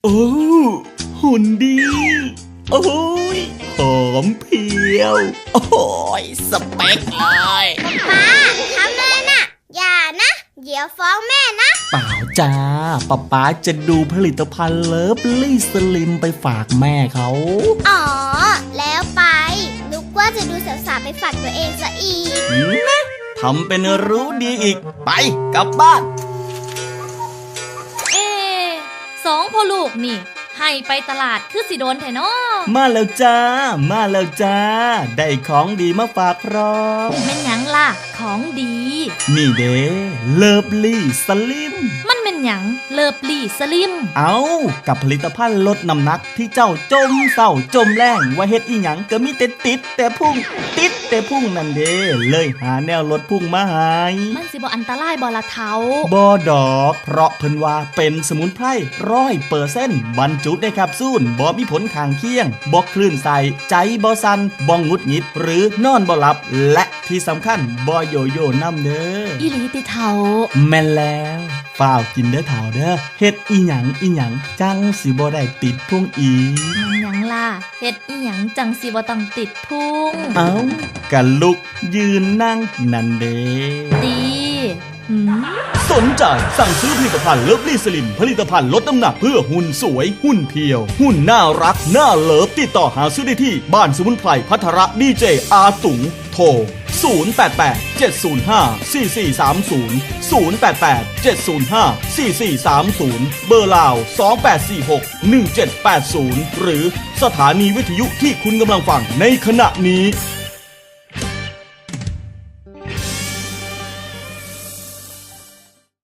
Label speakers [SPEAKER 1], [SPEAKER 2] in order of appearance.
[SPEAKER 1] โอ้หุ่นดีโอ้ยหอมเพรียวโอ้ยสเปคเลย
[SPEAKER 2] ป้าทำเลยนะอย่านะเดี๋ยวฟ้องแม่นะ
[SPEAKER 1] เปล่าจ้าป๊าจะดูผลิตภัณฑ์เลิฟลี่สลิมไปฝากแม่เขา
[SPEAKER 2] อ๋อแล้วไปนึกว่าจะดูสาวๆไปฝากตัวเองซะอีก
[SPEAKER 1] ทำเป็นรู้ดีอีกไปกลับบ้าน
[SPEAKER 3] สองพ่อลูกนี่ให้ไปตลาดคือสิโดนแท้น้อ
[SPEAKER 1] มาแล้วจ้าได้ของดีมาฝากพร้อม
[SPEAKER 3] แม่นหยังล่ะของดี
[SPEAKER 1] นี่เด้เลิฟลี่สลิม
[SPEAKER 3] มันเป็นหยังเลิฟลี่สลิม
[SPEAKER 1] เอากับผลิตภัณฑ์ลดน้ำหนักที่เจ้าจมเศร้าจมแรงว่าเฮ็ดอีหยังก็มีแต่ติดแต่พุ่งนั่นเด้เลยหาแนวลดพุ่งมาให้
[SPEAKER 3] มันสิบ่อันตรายบ่ล่ะเฒ่า
[SPEAKER 1] บ่ดอกเพราะเพิ่นว่าเป็นสมุนไพร100%บรรจุในแคปซูลบ่มีผลข้างเคียงบ่คลื่นใส่ใจบ่สั่นบ่หงุดหงิดหรือนอนบ่หลับและที่สำคัญบ่โยโย่นำเด้อ
[SPEAKER 3] อีหลีติเฒ่า
[SPEAKER 1] แม่นแล้วฝ้าวกินเด้อเฒ่าเด้อเฮ็ดอีหยังจังสิบ่ได้ติดพุงอี
[SPEAKER 3] มันหยังล่ะเฮ็ดอีหยังจังสิบ่ต้องติดพุง
[SPEAKER 1] เอ้ากันลุกยืนนั่งนั่นเด้
[SPEAKER 3] ดี
[SPEAKER 1] สนใจสั่งซื้อผลิตภัณฑ์เลิฟลี่สลิมผลิตภัณฑ์ลดน้ำหนักเพื่อหุ่นสวยหุ่นเพียวหุ่นน่ารักน่าเลิฟติดต่อหาซื้อได้ที่บ้านสมุนไพรพัทระดีเจอาตุงโทร088 705 4430 088 705 4430เบอร์ลาว2846 1780หรือสถานีวิทยุที่คุณกำลังฟังในขณะนี้